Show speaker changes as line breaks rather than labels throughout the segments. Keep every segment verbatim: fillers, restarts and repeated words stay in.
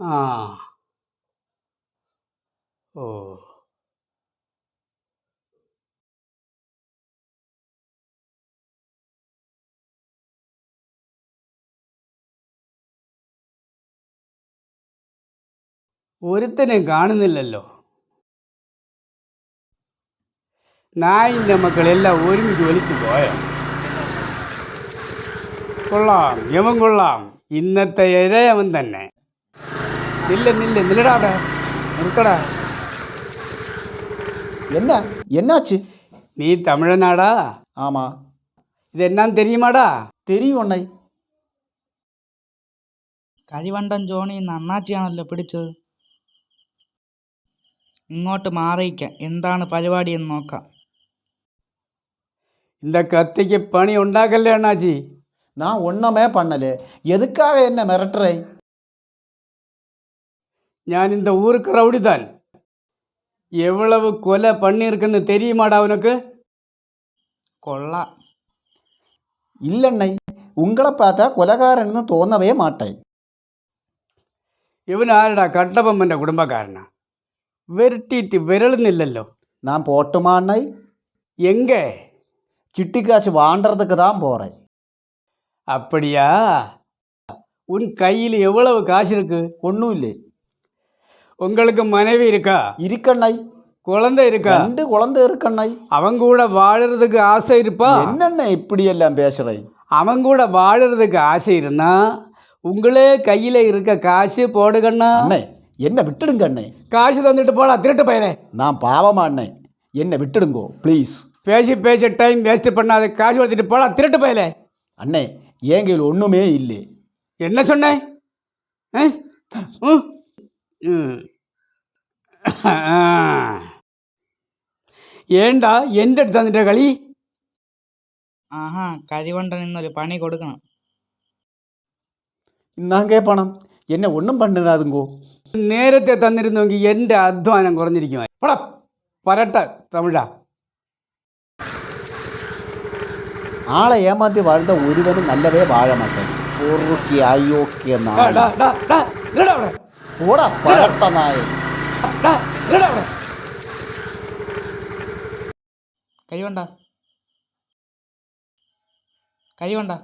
ആ ഓ ഒരുത്തനെയും കാണുന്നില്ലല്ലോ. നായിൻ്റെ മക്കളെല്ലാം ഒരുമിച്ച് വലിച്ചു പോയോ? കൊള്ളാം, യമൻ കൊള്ളാം. ഇന്നത്തെ ഇഴയവൻ തന്നെ. നില്ല നില്ല നില്ലടാ, അവിടെ നിർത്തടാ.
என்ன என்னாச்சு?
நீ தமிழனாடா?
ஆமா.
இது என்னன்னு தெரியுமாடா?
தெரியும் அண்ணை.
കരിവണ്ടൻ ജോണി ഇന്ന് അണ്ണാച്ചിയാണല്ലോ പിടിച്ചത്. ഇങ്ങോട്ട് മാറിയിക്കാം, എന്താണ് പരിപാടി എന്ന് നോക്കാം.
இந்த கத்திக்கு பணி உண்டாக்கல்ல அண்ணாச்சி.
நான் ஒன்றுமே பண்ணல. எதுக்காக என்ன மிரட்டுறே?
நான் இந்த ஊருக்கு ரவுடி தான். எவ்வளவு கொலை பண்ணியிருக்குன்னு தெரியுமாடா அவனுக்கு?
കൊള്ളാം.
இல்லண்ணை, உங்களை பார்த்தா கொலகாரன்னு തോന്നவே மாட்டேன்.
ഇവൻ ആരടാ? കട്ടബൊമ്മൻ്റെ കുടുംബക്കാരനാ. വെരട്ടിയിട്ട് വിരളുന്നില്ലല്ലോ.
நான் போட்டுமா அண்ணை?
எங்கே?
சிட்டி காசு வாண்டறதுக்கு தான் போகிறேன்.
அப்படியா? உன் கையில் எவ்வளவு காசு இருக்கு?
ஒன்றும் இல்லை.
உங்களுக்கு மனைவி இருக்கா?
இருக்கண்ணை.
குழந்தை இருக்கா?
ரெண்டு குழந்தை இருக்கண்ணை.
அவன் கூட வாழறதுக்கு ஆசை இருப்பா?
என்னண்ணே இப்படி எல்லாம் பேசுகிறேன்?
அவன் கூட வாழறதுக்கு ஆசை இருந்தா உங்களே கையில் இருக்க காசு போடுகண்ணா.
அண்ணே என்ன விட்டுடுங்க அண்ணே.
காசு தந்துட்டு போடா திருட்டு பையனே.
நான் பாவமா அண்ணே, என்ன விட்டுடுங்கோ ப்ளீஸ்.
பேசி பேசி டைம் வேஸ்ட் பண்ணாத, காசு கொடுத்துட்டு போடா திருட்டு பையலே.
அண்ணே என் கையில் ஒன்றுமே இல்லை.
என்ன சொன்னேன்? ஏண்டா എൻ്റെ അടുത്ത് തന്നിട്ട് കളി?
ആഹാ, കരിവണ്ടൻ ഇന്നൊരു പണി കൊടുക്കണം.
ഇന്നാങ്കേ പണം എന്നെ ഒന്നും പണ്ടിരാതുങ്കോ.
നേരത്തെ തന്നിരുന്നെങ്കിൽ എൻ്റെ അധ്വാനം കുറഞ്ഞിരിക്കുമായി. പോടാ പരട്ട തമിഴ.
ആളെ ഏമാത്തി വാഴ്ന്ന ഒരുവനും നല്ലവേ വാഴ മാട്ടേ. പൊറുക്കി അയോക്കിയ പോടാ പരട്ട നായ.
കരിവണ്ട കരിവണ്ട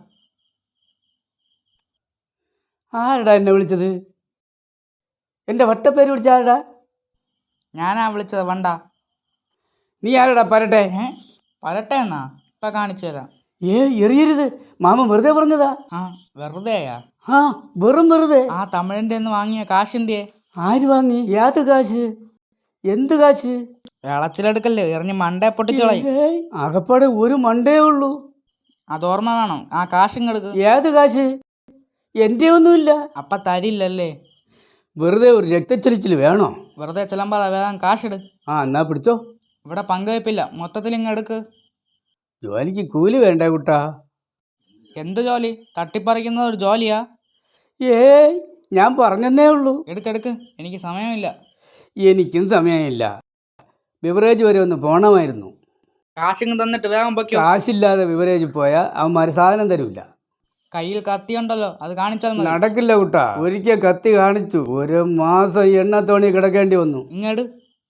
ആരടാ എന്നെ വിളിച്ചത്? എൻ്റെ വട്ടപ്പേര് വിളിച്ച ആരടാ?
ഞാനാ വിളിച്ചത് വണ്ട.
നീ ആരടാ പരട്ടെ?
ഏ പരട്ടെ എന്നാ? ഇപ്പം കാണിച്ചു തരാം.
ഏ എറിയരുത്, മാമൻ വെറുതെ പറഞ്ഞതാ.
ആ വെറുതെയാ?
ആ വെറും വെറുതെ.
ആ തമിഴിൻ്റെ നിന്ന് വാങ്ങിയ കാശിൻ്റെ.
ആര് വാങ്ങി? ഏത് കാശ്? എന്ത് കാശ്?
വിളച്ചിലെടുക്കല്ലേ, എറിഞ്ഞ് മണ്ടേ പൊട്ടിച്ചോളായി.
അകപ്പാടെ ഒരു മണ്ടേ ഉള്ളൂ.
അതോർമ്മ വേണം. ആ കാശിങ്ങെടുക്ക്.
ഏത് കാശ്? എൻ്റെ ഒന്നുമില്ല.
അപ്പം തരില്ലല്ലേ?
വെറുതെ ഒരു രക്തച്ചൊലിച്ചിൽ വേണോ?
വെറുതെ ചിലമ്പാതെ വേഗം കാശിട്.
ആ എന്നാ പിടിച്ചോ.
ഇവിടെ പങ്കുവയ്പ്പില്ല, മൊത്തത്തിൽ ഇങ്ങ് എടുക്ക്.
ജോലിക്ക് കൂലി വേണ്ടേ കുട്ടാ?
എന്ത് ജോലി? തട്ടിപ്പറിക്കുന്നത് ഒരു ജോലിയാ?
ഏയ് ഞാൻ പറഞ്ഞെന്നേ ഉള്ളൂ.
എടുക്കെടുക്ക്, എനിക്ക് സമയമില്ല.
എനിക്കും സമയമില്ല. ബിവറേജ് വരെ ഒന്ന് പോകണമായിരുന്നു.
കാശിങ് തന്നിട്ട് വേഗം പൊയ്ക്കോ.
കാശില്ലാതെ ബിവറേജിൽ പോയാൽ അവന്മാർ സാധനം തരൂല.
കയ്യിൽ കത്തിയുണ്ടല്ലോ, അത് കാണിച്ചാൽ മതി.
നടക്കില്ല കുട്ടാ. ഒരിക്കൽ കത്തി കാണിച്ചു, ഒരു മാസം എണ്ണ തോണി കിടക്കേണ്ടി വന്നു.
ഇങ്ങട്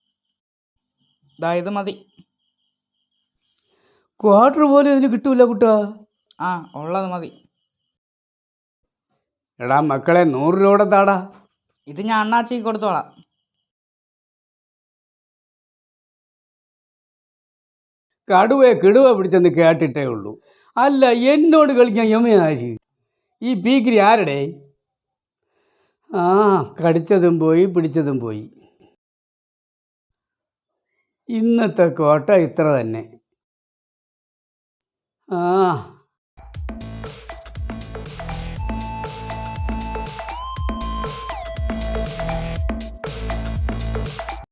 ദാ ഇത് മതി.
ക്വാർട്ടർ പോലും ഇതിന് കിട്ടൂല കുട്ടാ.
ആ ഉള്ളത് മതി.
എടാ മക്കളെ, നൂറ് രൂപയുടെ താടാ.
ഇത് ഞാൻ അണ്ണാച്ചിക്ക് കൊടുത്തോളാം.
കടുവയെ കിടുവ പിടിച്ചെന്ന് കേട്ടിട്ടേ ഉള്ളൂ. അല്ല, എന്നോട് കളിക്കാൻ യമയാര്? ഈ പീക്കിരി ആരുടെ? ആ കടിച്ചതും പോയി, പിടിച്ചതും പോയി. ഇന്നത്തെ കോട്ട ഇത്ര തന്നെ. ആ